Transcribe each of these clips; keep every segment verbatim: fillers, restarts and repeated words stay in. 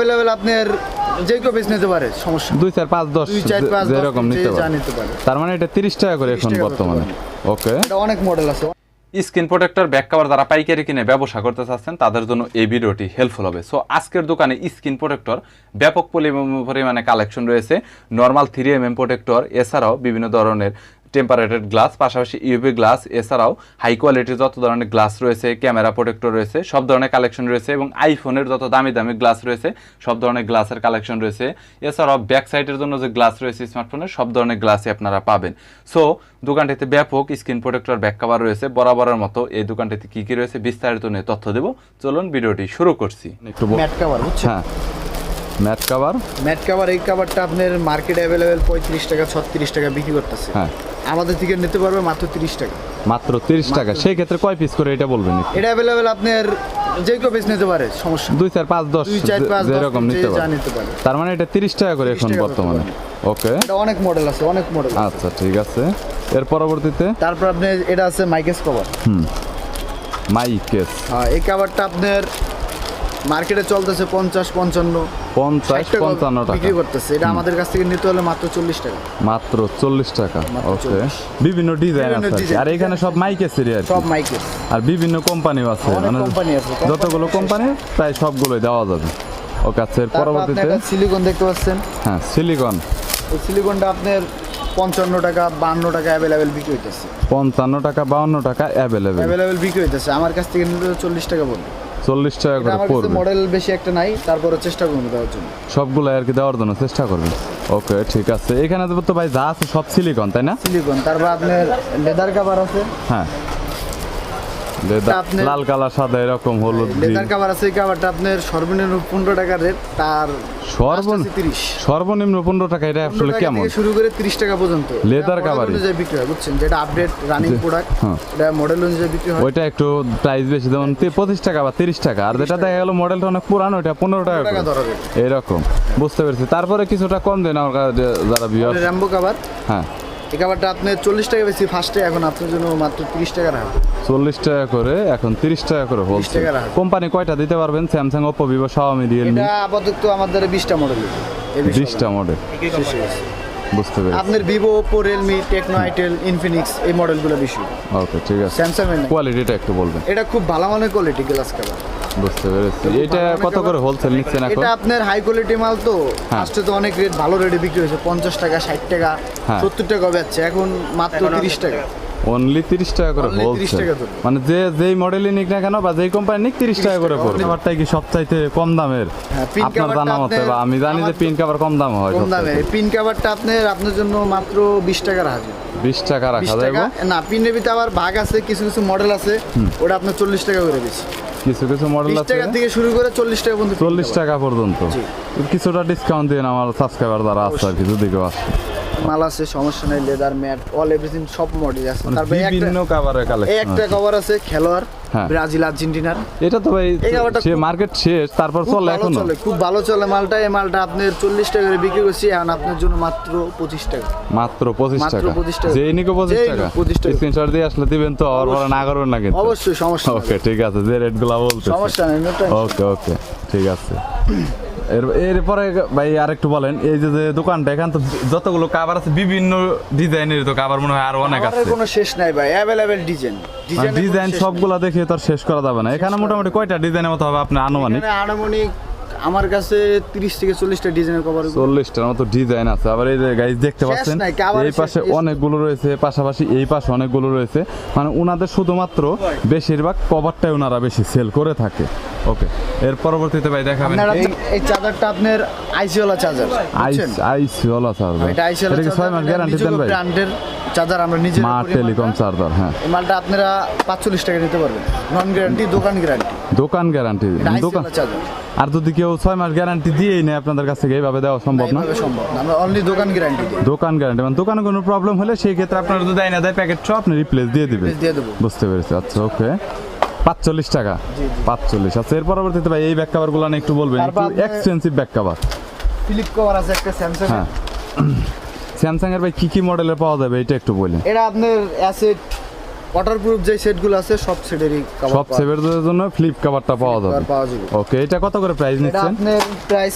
Available আপনার যে কেউ বেচ নিতে পারে, সমস্যা দুই চার পাঁচ দশ যেরকম নিতে পারে। তার মানে এটা তিরিশ টাকা করে এখন বর্তমানে। ওকে, এটা অনেক মডেল আছে। স্ক্রিন প্রোটেক্টর ব্যাক কভার যারা পাইকারি কিনে ব্যবসা করতে চাচ্ছেন তাদের জন্য এই ভিডিওটি হেল্পফুল হবে। সো আজকের দোকানে স্ক্রিন প্রোটেক্টর ব্যাপক পরিমাণে কালেকশন রয়েছে। Normal three M M protector, এছাড়াও বিভিন্ন ধরনের টেম্পারেটেড গ্লাস, পাশাপাশি ইউভি গ্লাস, এছাড়াও হাই কোয়ালিটির যত ধরনের গ্লাস রয়েছে, ক্যামেরা প্রোটেক্টর রয়েছে, সব ধরনের কালেকশন রয়েছে এবং আইফোনের যত দামি দামি গ্লাস রয়েছে সব ধরনের গ্লাসের কালেকশন রয়েছে। এছাড়াও ব্যাক সাইডের জন্য যে গ্লাস রয়েছে স্মার্টফোনের সব ধরনের গ্লাসই আপনারা পাবেন। সো দোকানটিতে ব্যাপক স্ক্রিন প্রোটেক্টর ব্যাক কভার রয়েছে। বরাবরের মতো এই দোকানটিতে কি কি রয়েছে বিস্তারিত নিয়ে তথ্য দেব। চলুন ভিডিওটি শুরু করছি। একটু ম্যাট কভার বুঝছেন? হ্যাঁ, ম্যাট কভার। ম্যাট কভার এই কভারটা আপনার মার্কেটে अवेलेबल পঁয়ত্রিশ টাকা ছত্রিশ টাকা বিক্রি করতেছে। হ্যাঁ, আমাদের থেকে নিতে পারবে মাত্র তিরিশ টাকা। মাত্র তিরিশ টাকা। সেই ক্ষেত্রে কয় পিস করে এটা বলবেন? এটা अवेलेबल আপনার যে কেউ বেচ নিতে পারে, সমস্যা দুই চার পাঁচ দশ যেরকম নিতে পারে। তার মানে এটা তিরিশ টাকা করে এখন বর্তমানে। ওকে, এটা অনেক মডেল আছে, অনেক মডেল। আচ্ছা ঠিক আছে। এর পরবর্তীতে তারপর আপনি এটা আছে মাইকেস কভার। হুম, মাইকেস। হ্যাঁ, এই কভারটা আপনার মার্কেটে চলতেছে পঞ্চাশ পঞ্চান্ন পঞ্চাশ পঞ্চান্ন টাকা বিক্রি করতেছে। এটা আমাদের কাছ থেকে নিতে হলে মাত্র চল্লিশ টাকা। মাত্র চল্লিশ টাকা। ওকে, বিভিন্ন ডিজাইন আছে আর এখানে সব মাইকেসের আর সব মাইকেস আর বিভিন্ন কোম্পানিও আছে, মানে কোম্পানি আছে, যতগুলো কোম্পানি প্রায় সবগুলোই দেওয়া যাবে। ওকে, আচ্ছা এর পরবর্তীতে সিলিকন দেখতে পাচ্ছেন। হ্যাঁ, সিলিকন। এই সিলিকনটা আপনার পঞ্চান্ন টাকা বান্ন টাকা অ্যাভেলেবেল বিক্রি হইতেছে। পঞ্চান্ন টাকা বাউন্ন টাকা অ্যাভেলেবেল অ্যাভেলেবেল বিক্রি হইতেছে। আমার কাছ থেকে নিতে চল্লিশ টাকা পড়বে। চল্লিশ টাকা করে পড়বে। মডেল বেশি একটা নাই, তারপরে চেষ্টা করবো দেওয়ার জন্য, সবগুলো আর কি দেওয়ার জন্য চেষ্টা করবেন। ওকে ঠিক আছে। এখানে তো ভাই যা আছে সব সিলিকন, তাই না? সিলিকন। তারপর আপনার লেদার কভার আছে। হ্যাঁ, লাল কালার সাদা এরকম হলুদ লেদার কভার আছে। এই কভারটা আপনার সর্বনিম্ন পনেরো টাকা রেট, তার সর্বনিম্ন তিরিশ সর্বনিম্ন পনেরো টাকা। এটা আসলে কেমন? শুরু করে তিরিশ টাকা পর্যন্ত লেদার কভার অনুযায়ী বিক্রি হয়, বুঝছেন? যেটা আপডেট রানিং প্রোডাক্ট, এটা মডেল অনুযায়ী বিক্রি হয়। ওইটা একটু প্রাইস বেশি, যেমন পঁচিশ টাকা বা তিরিশ টাকা। আর যেটা দেখা গেল মডেলটা অনেক পুরানো, ওইটা পনেরো টাকা এরকম। বুঝতে পেরেছি। তারপরে কিছুটা কম দেন আমার কাছে যারা ভিউয়ার। Rambo cover. হ্যাঁ, এই কভারটা আপনার চল্লিশ টাকা বেশি ফার্স্টে, এখন আপনার জন্য মাত্র তিরিশ টাকা রাখা। চল্লিশ টাকা করে এখন তিরিশ টাকা করে বলছে। কোম্পানি কয়টা দিতে পারবেন? Samsung, Oppo, Vivo, Xiaomi, Realme. এটা আপাতত আমাদের বিশটা মডেল। বিশটা মডেল। বুঝতে পেরেছি। আপনার Vivo, Oppo, Realme, Tecno, itel, Infinix এই মডেলগুলো বেশি। ওকে ঠিক আছে। স্যামসাং এর কোয়ালিটিটা একটু বলবেন। এটা খুব ভালো মানের কোয়ালিটি গ্লাস কভার। বুঝতে পেরেছি। এটা কত করে হোলসেল নিচ্ছেন এখন? এটা আপনার হাই কোয়ালিটি মাল তো, ফার্স্টে তো অনেক রেট ভালো রেটে বিক্রি হয়েছে, পঞ্চাশ টাকা ষাট টাকা সত্তর টাকা বেচছে, এখন মাত্র তিরিশ টাকা। অনলি তিরিশ টাকা করে হোলসেল। মানে যে যেই মডেলই নিক না কেন বা যেই কোম্পানি নিক তিরিশ টাকা করে পড়বে। কভারটাই কি সবচাইতে কম দামের আপনার জানা মতে? বা আমি জানি যে পিন কভার কম দাম হয়। কম দামের পিন কভারটা আপনার আপনার জন্য মাত্র বিশ টাকা রাখা যাবে। বিশ টাকা রাখা যাবে না? পিনের ভিতরে আবার ভাগ আছে, কিছু কিছু মডেল আছে ওটা আপনার চল্লিশ টাকা করে বেশি। কিছু কিছু মডেল আছে টাকা থেকে শুরু করে চল্লিশ টাকা পর্যন্ত। চল্লিশ টাকা পর্যন্ত। কিছুটা ডিসকাউন্ট দিন আমার সাবস্ক্রাইবার যারা আছে আর কি, যদি কেউ আসে। মাল আছে, সমস্যা নাই। লেদার, ম্যাট, অল এভরিথিং সব মডেল আছে। তারপরে বিভিন্ন কভারের কালেকশন। একটা কভার আছে খেলোয়াড়, ব্রাজিল, আর্জেন্টিনার। এটা তো ভাই সে মার্কেট শেষ, তারপর চলে এখনো চলে, খুব ভালো চলে মালটা। এই মালটা আপনার চল্লিশ টাকা করে বিক্রি করছি, এখন আপনার জন্য মাত্র পঁচিশ টাকা। মাত্র পঁচিশ টাকা। পঁচিশ টাকা। যেই নিকো পঁচিশ টাকা। স্ক্রিনশট দিয়ে আসলে দিবেন তো, আর বড় না করবেন না কিন্তু। অবশ্যই, সমস্যা নেই। ওকে ঠিক আছে, যে রেটগুলো বলতে সমস্যা নেই। ওকে ওকে ঠিক আছে। এর এরপরে ভাই আরেকটু বলেন, এই যে যে দোকানটা এখান তো যতগুলো কভার আছে বিভিন্ন ডিজাইনের, তো কভার মনে হয় আরো অনেক আছে। কোনো শেষ নাই ভাই, अवेलेबल ডিজাইন। ডিজাইন সবগুলা দেখে তো আর শেষ করা যাবে না। এখানে মোটামুটি কয়টা ডিজাইনের মতো হবে আপনার আনুমানিক? আনুমানিক আমার কাছে তিরিশ থেকে চল্লিশটা ডিজাইনের কভার। চল্লিশটার মতো ডিজাইন আছে। আবার এই যে গাইস দেখতে পাচ্ছেন, এই পাশে অনেকগুলো রয়েছে, পাশাপাশি এই পাশে অনেকগুলো রয়েছে। মানে ওনাদের শুধুমাত্র বেশিরভাগ কভারটাই ওনারা বেশি সেল করে থাকে। ওকে, এর পরবর্তীতে ভাই দেখাবেন এই চার্জারটা আপনার আইসি ওয়ালা চার্জার। আইস আইসি ওয়ালা চার্জার। এটা আইসি ওয়ালা চার্জার। ছয় মাস গ্যারান্টি দেন ভাই। ব্র্যান্ডের চার্জার আমরা নিজে স্মার্ট টেলিকম চার্জার। হ্যাঁ, এই মালটা আপনারা পাঁচচল্লিশ টাকা নিতে পারবেন, নন গ্যারান্টি, দোকান গ্যারান্টি। দোকান গ্যারান্টি দোকান চার্জার। আর যদি কেউ ছয় মাস গ্যারান্টি দিয়েই নেয় আপনাদের কাছ থেকে, এইভাবে দেওয়া সম্ভব না? সম্ভব না, আমরা অনলি দোকান গ্যারান্টি দিই। দোকান গ্যারান্টি মানে দোকানে কোনো প্রবলেম হলে সেই ক্ষেত্রে আপনারা যদি দেয় না দেয় প্যাকেট সব আপনি রিপ্লেস দিয়ে দিবেন। দিয়ে দেবো। বুঝতে পেরেছি। আচ্ছা ওকে, পাঁচচল্লিশ টাকা। পাঁচচল্লিশ। আচ্ছা এর পরবর্তীতে ভাই এই ব্যাক কভারগুলো একটু বলবেন, একটু expensive back cover. Flip cover আছে একটা স্যামসাং। হ্যাঁ, স্যামসাং এর ভাই কি কি মডেলের পাওয়া যাবে এটা একটু বলেন। এটা আপনার অ্যাসেট ওয়াটারপ্রুফ যে সেটগুলো আছে সব সেটেরই কভার সব সেভের জন্য ফ্লিপ কভারটা পাওয়া যাবে পাওয়া যাবে। ওকে, এটা কত করে প্রাইস এটা নিচ্ছেন? আপনার প্রাইস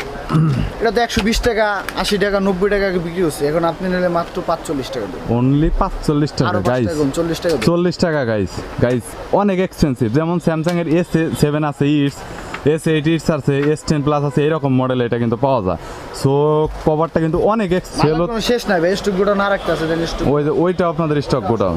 এটা তো একশো বিশ টাকা আশি টাকা নব্বই টাকা বিক্রি হচ্ছে, এখন আপনি নিলে মাত্র পাঁচচল্লিশ টাকা দেবেন। অনলি পাঁচচল্লিশ টাকা আরো পাঁচ গাইস, টাকা কম, চল্লিশ টাকা দেবেন। চল্লিশ টাকা গাইস। গাইস অনেক এক্সপেন্সিভ, যেমন স্যামসাং এর এস সেভেন আছে, ইটস এস এইট ইটস আছে, এস টেন প্লাস আছে, এরকম মডেল এটা কিন্তু পাওয়া যায়। সো কভারটা কিন্তু অনেক এক্সেল। মালার কোনো শেষ নাই ভাই, স্টক গোডাউন আর একটা আছে, দেন স্টক ওই যে ওইটা আপনাদের স্টক গোডাউন,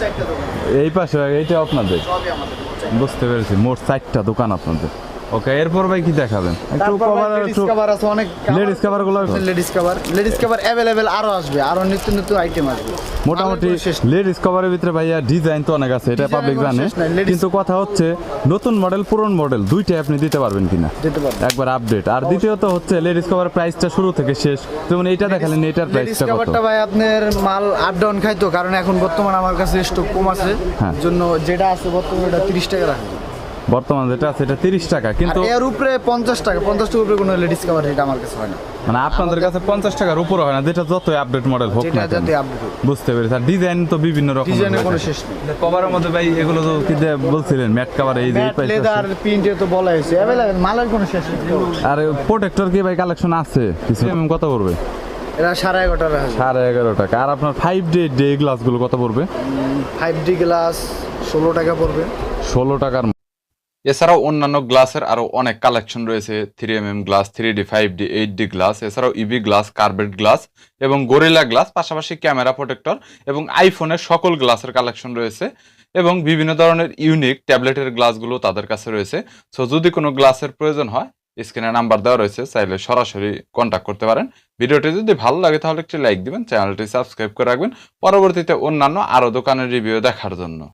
এই পাশে এইটা আপনাদের, সবই আমাদের। বুঝতে পেরেছি, মোট চারটা দোকান আপনাদের। ওকে, এরপর ভাই কি দেখাবেন? একটু তারপর কভার, লেডিস একটু কভার আছে অনেক, লেডিস কভার গুলো ladies cover ladies cover available আরো আসবে, আরো নিত্য নতুন আইটেম আসবে। মোটামুটি মালের কোনো শেষ নেই। লেডিস কভারের ভিতরে ভাইয়া ডিজাইন তো অনেক আছে, এটা Design পাবলিক এর কোনো জানে, শেষ নাই, ladies- কিন্তু কথা হচ্ছে নতুন মডেল পুরনো মডেল দুইটাই আপনি দিতে পারবেন কিনা দিতে পারবো। একবার আপডেট। আর দ্বিতীয়ত হচ্ছে লেডিস কভার প্রাইসটা শুরু থেকে শেষ, যেমন এইটা দেখালেন, এটার লেডিস প্রাইসটা কত? কভারটা ভাই আপনার মাল আপ ডাউন খাইতো, কারণ এখন বর্তমানে আমার কাছে স্টক কম আছে, হ্যাঁ। জন্য যেটা আছে বর্তমানে এটা তিরিশ টাকা রাখবে। বর্তমান যেটা আছে এটা তিরিশ টাকা, আর কিন্তু এর উপরে পঞ্চাশ টাকা, পঞ্চাশ টাকার উপরে কোনো লেডিস কভার এটা আমার কাছে হয় না, মানে আপনাদের কাছে পঞ্চাশ টাকার উপরে হয় না, যেটা যতই আপডেট মডেল হোক যেটা না কেন। যাতে আপডেট বুঝতে পেরেছি। আর ডিজাইন তো বিভিন্ন রকম, ডিজাইনের কোনো শেষ নেই। কভারের মধ্যে ভাই এগুলো তো কি দিয়ে বলছিলেন, ম্যাট কভার, এই যে এই ম্যাট price লেদার আছে। প্রিন্টে তো বলা হয়েছে অ্যাভেলেবেল, মালের কোনো শেষ নেই। আর প্রোটেক্টর কি ভাই কালেকশন আছে কিছু? এমএম কত পড়বে? এটা সাড়ে এগারো টাকা আছে। সাড়ে এগারো টাকা। আর আপনার ফাইভ ডে ডে গ্লাসগুলো কত পড়বে? ফাইভ ডি গ্লাস ষোলো টাকা পড়বে। ষোলো টাকার। এছাড়াও অন্যান্য গ্লাসের আরো অনেক কালেকশন রয়েছে, three M M glass, three D, five D, eight D glass, এছাড়াও ইবি গ্লাস, কার্বেট গ্লাস এবং গরিলা গ্লাস, পাশাপাশি ক্যামেরা প্রোটেক্টর এবং আইফোনের সকল গ্লাসের কালেকশন রয়েছে এবং বিভিন্ন ধরনের ইউনিক ট্যাবলেটের গ্লাসগুলো তাদের কাছে রয়েছে। সো যদি কোনো গ্লাসের প্রয়োজন হয়, স্ক্রিনে নাম্বার দেওয়া রয়েছে, চাইলে সরাসরি কন্ট্যাক্ট করতে পারেন। ভিডিওটি যদি ভালো লাগে তাহলে একটি লাইক দিবেন, চ্যানেলটি সাবস্ক্রাইব করে রাখবেন পরবর্তীতে অন্যান্য আরও দোকানের রিভিউ দেখার জন্য।